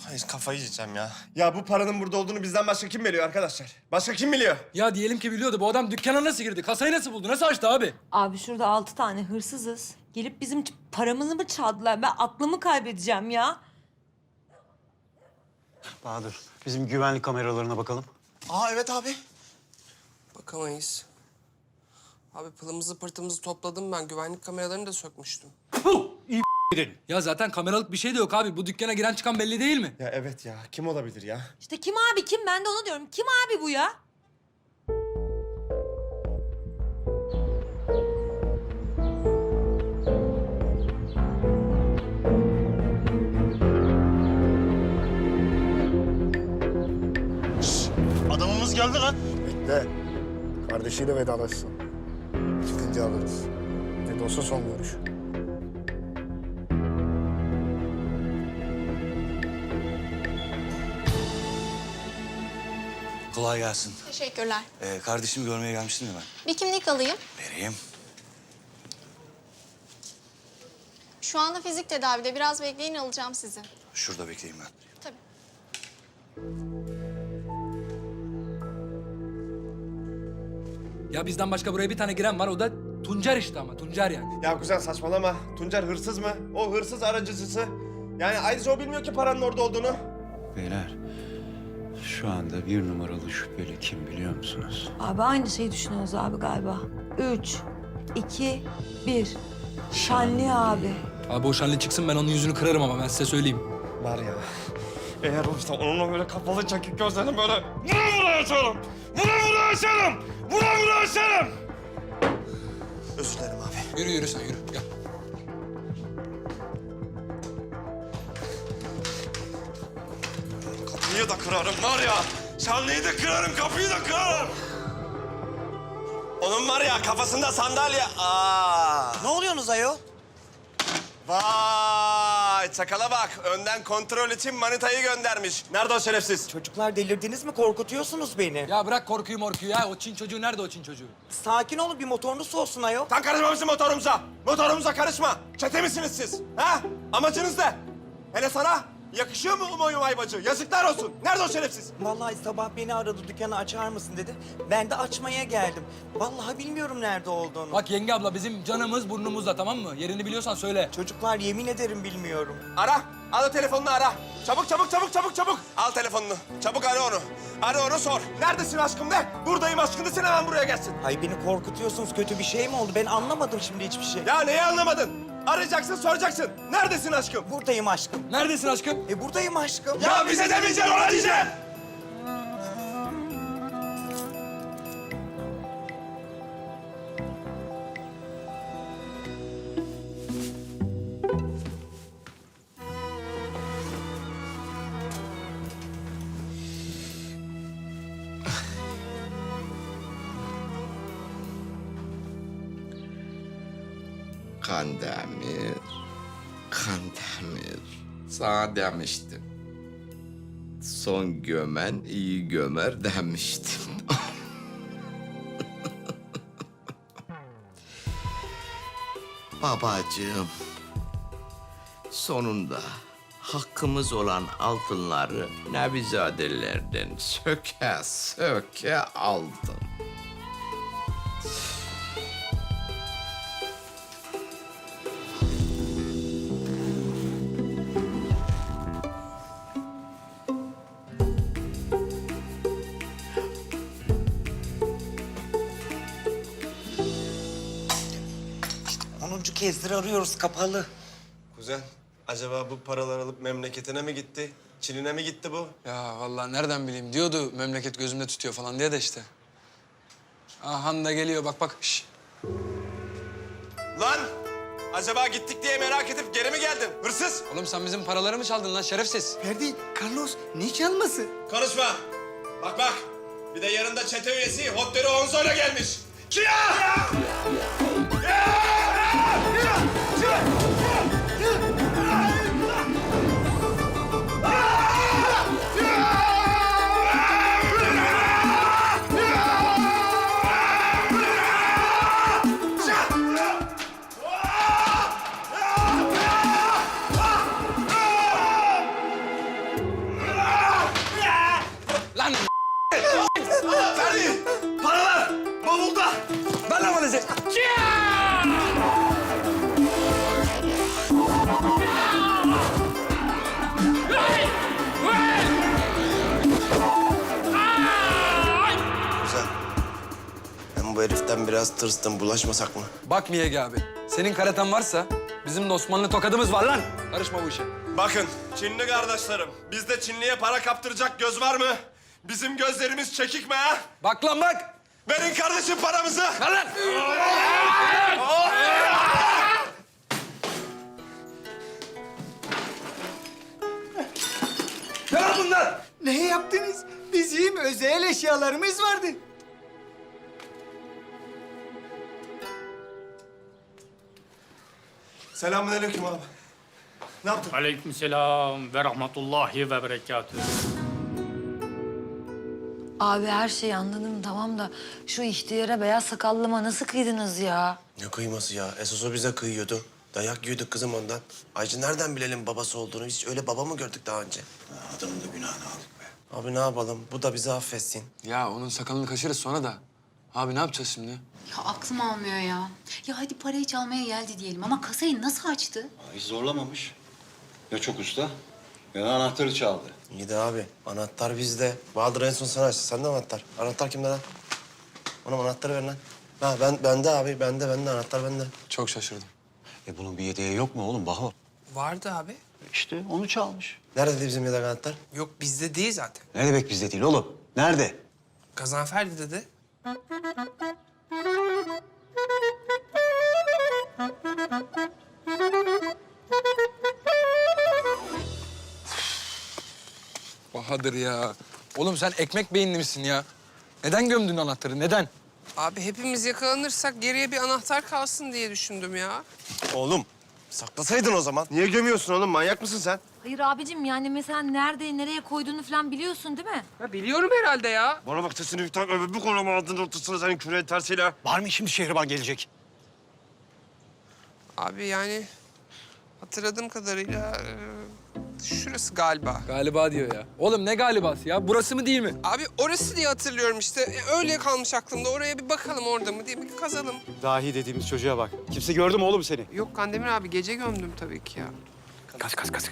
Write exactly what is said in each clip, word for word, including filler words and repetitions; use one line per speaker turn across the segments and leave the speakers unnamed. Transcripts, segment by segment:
Ay, kafayı yiyeceğim ya. Ya bu paranın burada olduğunu bizden başka kim biliyor arkadaşlar? Başka kim biliyor?
Ya diyelim ki biliyordu. Bu adam dükkana nasıl girdi? Kasayı nasıl buldu? Nasıl açtı abi?
Abi şurada altı tane hırsızız. Gelip bizim ç- paramızı mı çaldılar? Ben aklımı kaybedeceğim ya.
Bahadır, bizim güvenlik kameralarına bakalım.
Aa evet abi.
Bakamayız. Abi pılımızı pırtımızı topladım ben. Güvenlik kameralarını da sökmüştüm.
Ya zaten kameralık bir şey de yok abi. Bu dükkana giren çıkan belli değil mi?
Ya evet ya. Kim olabilir ya?
İşte kim abi kim? Ben de onu diyorum. Kim abi bu ya?
Adamımız geldi lan.
Bekle. Kardeşiyle vedalaşsın. Çıkınca alırız. Ne de olsa son görüş.
Kolay gelsin.
Teşekkürler.
Ee, kardeşimi görmeye gelmiştim ya ben.
Bir kimlik alayım.
Vereyim.
Şu anda fizik tedavide. Biraz bekleyin, alacağım sizi.
Şurada bekleyeyim ben.
Tabii.
Ya bizden başka buraya bir tane giren var. O da Tuncer işte ama. Tuncer yani.
Ya kuzen saçmalama. Tuncer hırsız mı? O hırsız aracıcısı. Yani ayrıca o bilmiyor ki paranın orada olduğunu.
Beyler, şu anda bir numaralı şüpheli kim biliyor musunuz?
Abi aynı şeyi düşünüyoruz abi galiba. Üç, iki, bir. Şanlı abi.
Abi o şanlı çıksın ben onun yüzünü kırarım ama ben size söyleyeyim.
Var ya. Eğer olursa onunla böyle kapalı çakık gözlerini böyle... Vura vura açarım! Vura vura açarım! Vura vura açarım! Özür dilerim abi.
Yürü yürü sen yürü. Gel.
Kapıyı da kırarım var ya. Şanlıyı da kırarım, kapıyı da kırarım. Onun var ya kafasında sandalye. Aa.
Ne oluyorsunuz ayol?
Vay çakala bak. Önden kontrol için manitayı göndermiş. Nerede o şerefsiz?
Çocuklar delirdiniz mi? Korkutuyorsunuz beni.
Ya bırak korkuyu morkuyu ya. O Çin çocuğu nerede o Çin çocuğu?
Sakin olun, bir motorunuz soğusun ayol.
Sen karışmamışsın motorumuza. Motorumuza karışma. Çete misiniz siz? Ha? Amacınız ne? Hele sana yakışıyor mu umayım aybacı? Yazıklar olsun. Nerede o şerefsiz?
Vallahi sabah beni aradı, dükkanı açar mısın dedi. Ben de açmaya geldim. Vallahi bilmiyorum nerede olduğunu.
Bak yenge abla bizim canımız burnumuzda tamam mı? Yerini biliyorsan söyle.
Çocuklar yemin ederim bilmiyorum.
Ara. Al o telefonunu ara. Çabuk çabuk çabuk çabuk çabuk. Al telefonunu. Çabuk ara onu. Ara onu sor. Neredesin aşkım de. Buradayım aşkım desin hemen buraya gelsin.
Ay beni korkutuyorsunuz. Kötü bir şey mi oldu? Ben anlamadım şimdi hiçbir şey.
Ya neyi anlamadın? Arayacaksın soracaksın. Neredesin aşkım?
Buradayım aşkım.
Neredesin aşkım?
E buradayım aşkım.
Ya bize demeyeceksin ona diyeceksin.
Kandemir, Kandemir. Sana demiştim. Son gömen iyi gömer demiştim. Babacığım, sonunda hakkımız olan altınları Nevizadelerden söke söke aldım.
Onuncu kezdir arıyoruz, kapalı.
Kuzen, acaba bu paralar alıp memleketine mi gitti? Çin'ine mi gitti bu?
Ya vallahi nereden bileyim diyordu memleket gözümde tutuyor falan diye de işte. Ahan da geliyor bak bak. Şş.
Lan! Acaba gittik diye merak edip geri mi geldin? Hırsız!
Oğlum sen bizim paraları mı çaldın lan şerefsiz?
Ferdi, Carlos ne çalması?
Konuşma! Bak bak! Bir de yanında çete üyesi Hotdero Onzo'yla gelmiş. Kia!
Lan
Ferdi! Paralar! Bavulda!
ben lan valizi.
Güzel. Ben bu heriften biraz tırstım. Bulaşmasak mı?
Bak Miyagi abi, senin karaten varsa bizim de Osmanlı tokadımız var lan. Karışma bu işe.
Bakın Çinli kardeşlerim, bizde Çinliye para kaptıracak göz var mı? Bizim gözlerimiz çekik mi ha?
Bak lan bak.
Verin kardeşim paramızı.
Ver lan. Ne lan bunlar?
Ne yaptınız? Bizim özel eşyalarımız vardı.
Selamünaleyküm abi. Ne yaptın?
Aleykümselam ve rahmetullahi ve berekatühü.
Abi her şeyi anladım tamam da şu ihtiyara beyaz sakallıma nasıl kıydınız ya?
Ne kıyması ya? Esas o bize kıyıyordu. Dayak yiyorduk kızım ondan. Ayrıca nereden bilelim babası olduğunu? Hiç öyle baba mı gördük daha önce?
Adamın da günahını aldık be.
Abi ne yapalım? Bu da bizi affetsin.
Ya onun sakalını kaşırız sonra da. Abi ne yapacağız şimdi?
Ya aklım almıyor ya. Ya hadi parayı çalmaya geldi diyelim ama kasayı nasıl açtı?
Hiç zorlamamış. Ya çok usta ya da anahtarı çaldı.
İyi de abi. Anahtar bizde. Bahadır en son sana açtı. Sende anahtar. Anahtar kimde lan? Ona anahtarı ver lan. Ha ben bende abi. Bende bende anahtar bende.
Çok şaşırdım.
E bunun bir yedeği yok mu oğlum Baho?
Vardı abi.
İşte onu çalmış.
Nerede bizim yedek anahtar?
Yok bizde değil zaten.
Ne demek bizde değil oğlum? Nerede?
Gazanferdi dedi.
Bahadır ya. Oğlum sen ekmek beyinli misin ya? Neden gömdün anahtarı? Neden?
Abi hepimiz yakalanırsak geriye bir anahtar kalsın diye düşündüm ya.
Oğlum saklasaydın o zaman. Niye gömüyorsun oğlum? Manyak mısın sen?
Hayır abicim yani mesela nerede, nereye koyduğunu falan biliyorsun değil mi?
Ha, biliyorum herhalde ya.
Bana bak sesini bir tak öbür koluma aldın ortasına senin küreğin tersiyle.
Var mı şimdi Şehriban gelecek?
Abi yani hatırladığım kadarıyla e, şurası galiba.
Galiba diyor ya. Oğlum ne galibası ya? Burası mı değil mi?
Abi orası diye hatırlıyorum işte. E, öyle kalmış aklımda. Oraya bir bakalım orada mı diye bir kazalım.
Dahi dediğimiz çocuğa bak. Kimse gördü mü oğlum seni?
Yok Kandemir abi gece gömdüm tabii ki ya.
Kaç kaç kaç.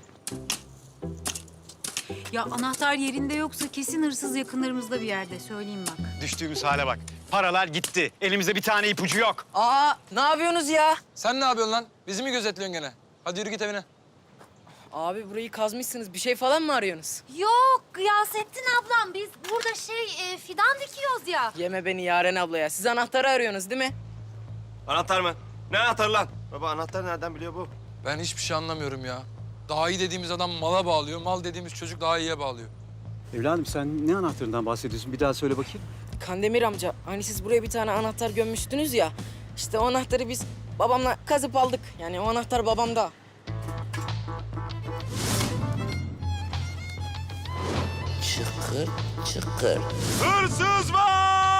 Ya anahtar yerinde yoksa kesin hırsız yakınlarımızda bir yerde söyleyeyim bak.
Düştüğümüz hale bak. Paralar gitti. Elimizde bir tane ipucu yok.
Aa ne yapıyorsunuz ya?
Sen ne yapıyorsun lan? Bizi mi gözetliyorsun gene? Hadi yürü git evine.
Abi burayı kazmışsınız. Bir şey falan mı arıyorsunuz?
Yok Gıyasettin ablam biz burada şey e, fidan dikiyoruz ya.
Yeme beni Yaren abla ya. Siz anahtarı arıyorsunuz değil mi?
Anahtar mı? Ne anahtarı lan? Baba anahtar nereden biliyor bu?
Ben hiçbir şey anlamıyorum ya. Daha iyi dediğimiz adam mala bağlıyor, mal dediğimiz çocuk daha iyiye bağlıyor.
Evladım sen ne anahtarından bahsediyorsun? Bir daha söyle bakayım.
Kandemir amca hani siz buraya bir tane anahtar gömmüştünüz ya. İşte o anahtarı biz babamla kazıp aldık. Yani o anahtar babamda.
Çıkır çıkır.
Hırsız var!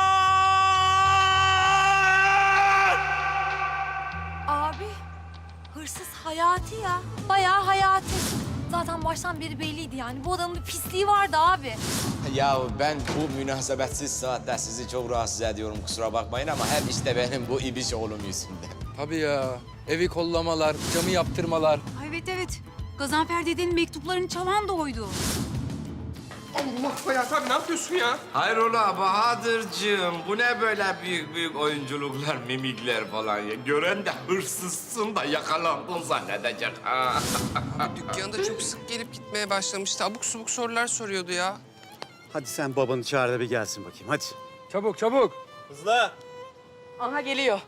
Abi hırsız Hayati ya. Bayağı Hayati. Zaten baştan beri belliydi yani. Bu adamın bir pisliği vardı abi.
Ya ben bu münasebetsiz saatte sizi çok rahatsız ediyorum kusura bakmayın ama hep işte benim bu ibiş oğlum yüzünden.
Tabii ya. Evi kollamalar, camı yaptırmalar.
Ay, evet evet. Gazanfer dedenin mektuplarını çalan da oydu.
Allah Hayat abi ne yapıyorsun ya?
Hayrola Bahadır'cığım bu ne böyle büyük büyük oyunculuklar, mimikler falan ya. Gören de hırsızsın da yakalandın zannedecek ha.
Abi dükkanda çok sık gelip gitmeye başlamıştı. Abuk subuk sorular soruyordu ya.
Hadi sen babanı çağır da bir gelsin bakayım hadi.
Çabuk çabuk.
Hızlı.
Aha geliyor.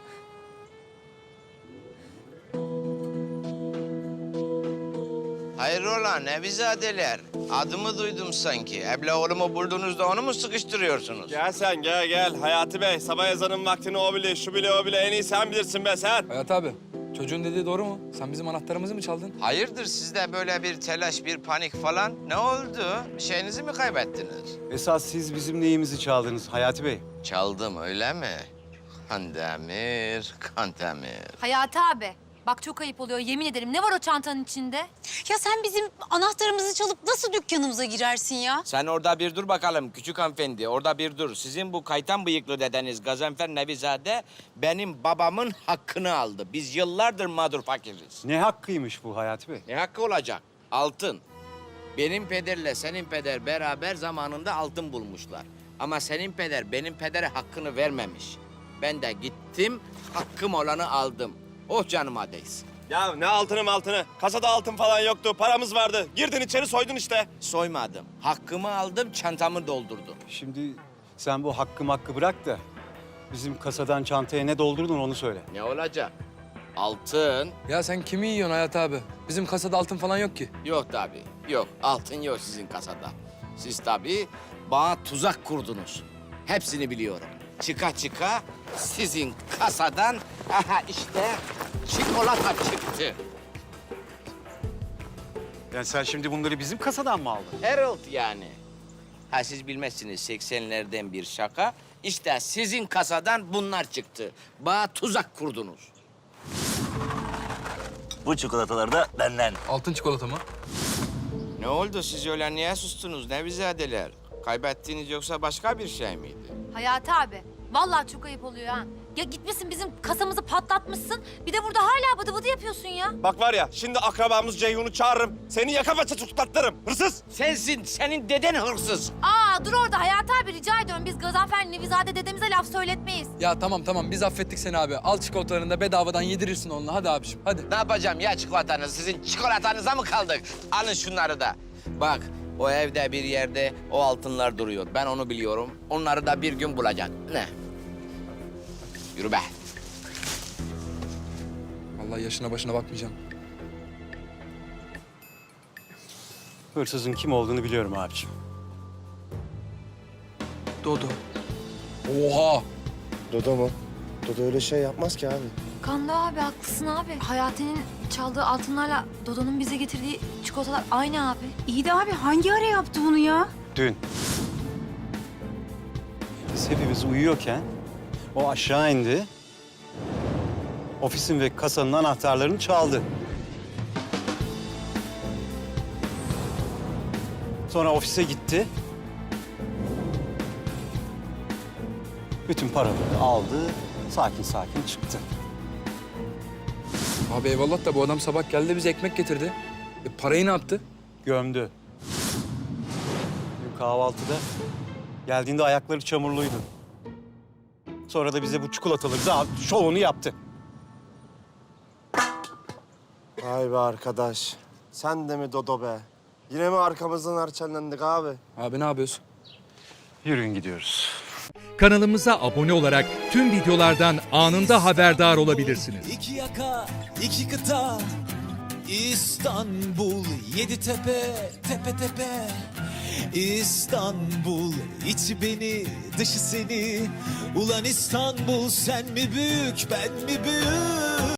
Hayrola Nevizadeler? Adımı duydum sanki. Ebla oğlumu buldunuz da onu mu sıkıştırıyorsunuz?
Gel sen gel gel. Hayati Bey sabah ezanın vaktini o bile şu bile o bile en iyi sen bilirsin be sen.
Hayat abi, çocuğun dediği doğru mu? Sen bizim anahtarımızı mı çaldın?
Hayırdır sizde böyle bir telaş, bir panik falan? Ne oldu? Bir şeyinizi mi kaybettiniz?
Esas siz bizim neyimizi çaldınız Hayati Bey?
Çaldım öyle mi? Kandemir, Kandemir.
Hayati abi Bak çok ayıp oluyor yemin ederim. Ne var o çantanın içinde?
Ya sen bizim anahtarımızı çalıp nasıl dükkanımıza girersin ya?
Sen orada bir dur bakalım küçük hanımefendi. Orada bir dur. Sizin bu kaytan bıyıklı dedeniz Gazanfer Nevizade benim babamın hakkını aldı. Biz yıllardır mağdur fakiriz.
Ne hakkıymış bu Hayati Bey?
Ne hakkı olacak? Altın. Benim pederle senin peder beraber zamanında altın bulmuşlar. Ama senin peder benim pedere hakkını vermemiş. Ben de gittim, hakkım olanı aldım. Oh canıma değsin.
Ya ne altını altını? Kasada altın falan yoktu. Paramız vardı. Girdin içeri soydun işte.
Soymadım. Hakkımı aldım, çantamı doldurdum.
Şimdi sen bu hakkı hakkı bırak da bizim kasadan çantaya ne doldurdun onu söyle.
Ne olacak? Altın
Ya sen kimi yiyorsun Hayat abi? Bizim kasada altın falan yok ki.
yok tabii. Yok, altın yok sizin kasada. Siz tabii bana tuzak kurdunuz. Hepsini biliyorum. Çıka çıka sizin kasadan aha işte çikolata çıktı.
Yani sen şimdi bunları bizim kasadan mı aldın?
Herald yani. Ha siz bilmezsiniz seksenlerden bir şaka. İşte sizin kasadan bunlar çıktı. Bana tuzak kurdunuz.
Bu çikolatalar da benden.
Altın çikolata mı?
Ne oldu siz öyle niye sustunuz Nevizadeler? Kaybettiğiniz yoksa başka bir şey miydi?
Hayati abi. Vallahi çok ayıp oluyor ha. Ya gitmişsin bizim kasamızı patlatmışsın. Bir de burada hala bıdı bıdı yapıyorsun ya.
Bak var ya şimdi akrabamız Ceyhun'u çağırırım. Seni yaka paça tutuklatırım. Hırsız.
Sensin, senin deden hırsız.
Aa dur orada Hayati abi rica ediyorum. Biz Gazanfer Nevizade dedemize laf söyletmeyiz.
Ya tamam tamam biz affettik seni abi. Al çikolatalarını da bedavadan yedirirsin onunla. Hadi abiciğim hadi.
Ne yapacağım ya çikolatanız? Sizin çikolatanıza mı kaldık? Alın şunları da. Bak o evde bir yerde o altınlar duruyor. Ben onu biliyorum. Onları da bir gün bulacak. Ne? Yürü be.
Vallahi yaşına başına bakmayacağım.
Hırsızın kim olduğunu biliyorum abiciğim.
Dodo. Oha!
Dodo mu? Dodo öyle şey yapmaz ki abi.
Kanda abi haklısın abi. Hayati'nin çaldığı altınlarla Dodo'nun bize getirdiği çikolatalar aynı abi.
İyi de abi hangi ara yaptı bunu ya?
Dün. Biz hepimiz uyuyorken o aşağı indi. Ofisin ve kasanın anahtarlarını çaldı. Sonra ofise gitti. Bütün paraları aldı, sakin sakin çıktı.
Abi eyvallah da bu adam sabah geldi bize ekmek getirdi. E, parayı ne yaptı?
Gömdü. Dün kahvaltıda geldiğinde ayakları çamurluydu. Sonra da bize bu çikolataları da şovunu yaptı.
Vay be arkadaş. Sen de mi Dodo be? Yine mi arkamızdan harçlandık abi?
Abi ne yapıyorsun?
Yürüyün gidiyoruz.
Kanalımıza abone olarak tüm videolardan anında haberdar olabilirsiniz.
İki yaka, iki kıta, İstanbul, yedi tepe, tepe tepe. İstanbul, içi beni, dışı seni. Ulan İstanbul, sen mi büyük, ben mi büyük?